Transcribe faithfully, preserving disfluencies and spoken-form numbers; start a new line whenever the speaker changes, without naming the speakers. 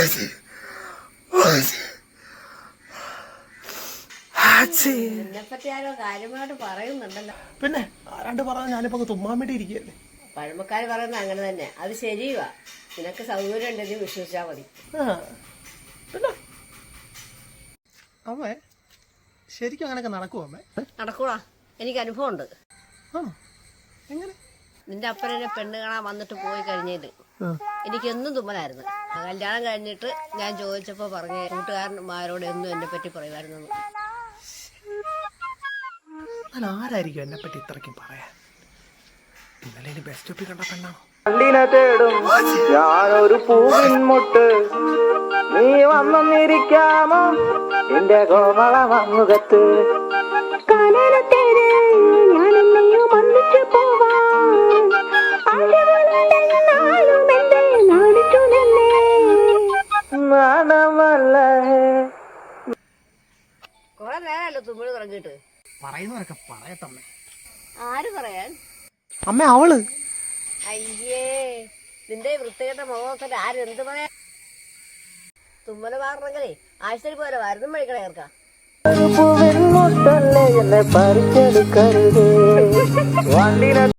എന്നെപ്പറ്റി ആരോ കാര്യമായിട്ട് പറയുന്നുണ്ടല്ലോ.
പിന്നെ ആരാണ്ട് പറഞ്ഞ ഞാനിപ്പോ തുമ്മാൻ വേണ്ടി ഇരിക്കുകയല്ലേ.
പഴമക്കാര് പറയുന്നത് അങ്ങനെ തന്നെ. അത് ശരിയുവാ. നിനക്ക് സൗകര്യം ഉണ്ടെങ്കിൽ വിശ്വസിച്ചാ മതി.
പിന്നെ അമ്മേ ശരിക്കും അങ്ങനെയൊക്കെ നടക്കുമോ അമ്മേ?
നടക്കൂടാ, എനിക്ക് അനുഭവം ഉണ്ട്.
എങ്ങനെ?
നിന്റെ അപ്പനെ പെണ്ണ് കാണാൻ വന്നിട്ട് പോയി കഴിഞ്ഞിട്ട് എനിക്കെന്നും തുമ്മലായിരുന്നു. കല്യാണം കഴിഞ്ഞിട്ട് ഞാൻ ചോദിച്ചപ്പോ പറഞ്ഞ കൂട്ടുകാരന്മാരോട് എന്നും എന്നെ പറ്റി പറയുമായിരുന്നു.
ആരായിരിക്കും എന്നെ പറ്റി ഇത്രയ്ക്കും പറയാൻ? ഇന്നലെ ഇനി ബസ് സ്റ്റോപ്പിൽ കണ്ട പെണ്ണാണോ?
കണ്ടിനെ തേടും ഞാനൊരു പൂവിൻ മുട്ട്, നീ വന്നിരിക്കാമോ എന്റെ കോമള മങ്ങുകത്ത്.
കൊറേ നേരമല്ലോ തുമ്മിഴ് തുടങ്ങിയിട്ട്.
പറയുന്നവരൊക്കെ പറയട്ടമ്മേ.
ആര് പറയാൻ?
അമ്മ അവള്.
അയ്യേ, നിന്റെ വൃത്തികെട്ട മുഖത്തിൽ ആരെന്ത് പറയാ? തുമ്മല് മാറണമെങ്കിലേ ആഴ്ചയിൽ പോലെ മരുന്നും മേടിക്കണേ ചേർക്കാം.
എന്നെ പറിച്ചെടുക്കരുതേ.